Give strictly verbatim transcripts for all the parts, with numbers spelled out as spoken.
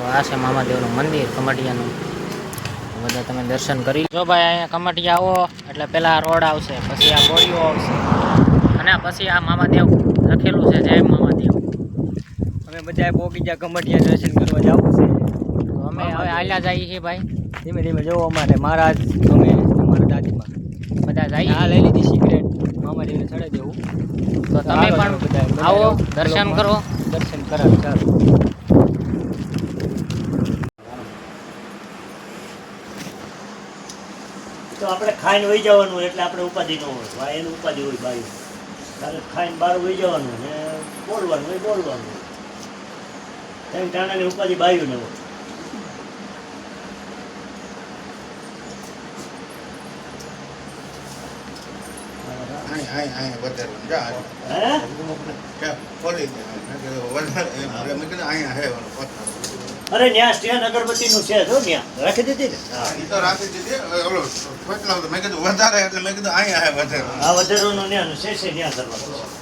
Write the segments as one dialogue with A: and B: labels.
A: આ છે મામાદેવનું મંદિર કમાટિયાનું. બધા તમે દર્શન કરી જો ભાઈ. અહીંયા કમાટિયા આવો એટલે પેલા રોડ આવશે, પછી આ ગોળીઓ આવશે અને પછી આ મામાદેવ લખેલું છે જય મામાદેવ.
B: અમે બધા પોકી ગયા કમાટિયા દર્શન કરવા જવું છે.
A: તો અમે હવે હાલ્યા જઈએ છીએ ભાઈ.
B: ધીમે ધીમે જવો અમારે મહારાજ અમે મારા દાદીમાં
A: બધા જઈએ.
B: આ લઈ લીધી સિગરેટ મામાદેવને ચડાવી દેવું.
A: તો તમે પણ આવો દર્શન કરો.
B: દર્શન કરાવે ચાલો.
C: તો આપણે ખાઈને વહી જવાનું એટલે આપણે ઉપાધિ ન હોય. ભાઈ એનું ઉપાધિ હોય ભાઈ. તારે ખાઈને બહાર વહી જવાનું ને બોલવાનું હોય બોલવાનું. એમ ટાણાની ઉપાધિ બાયું ને હોય. અરે ન્યા સ્ટેન અગરબત્તી નું છે જો ન્યા રાખી દીધી ને. હા વધારો નું ન્યા નું છે છે ન્યા કરવાનું છે.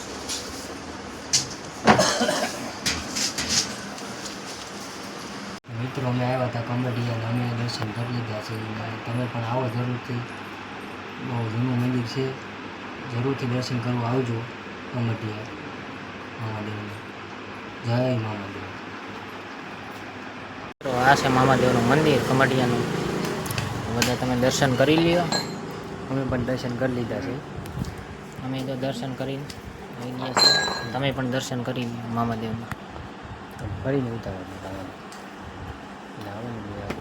A: મિત્રો અમે આવ્યા હતા કમાટિયા, અમે દર્શન કરી લીધા છે. તમે પણ આવો જરૂરથી. બહુ જૂનું મંદિર છે, જરૂરથી દર્શન કરવા આવજો કમાટિયા મામાદેવને. જય મામાદેવ. તો આ છે મામાદેવનું મંદિર કમાટિયાનું. બધા તમે દર્શન કરી લ્યો. અમે પણ દર્શન કરી લીધા છે. અમે તો દર્શન કરીને આવી ગયા છીએ. તમે પણ દર્શન કરી લ્યો મામાદેવના. ફરીને ઉતારો લાવો ને.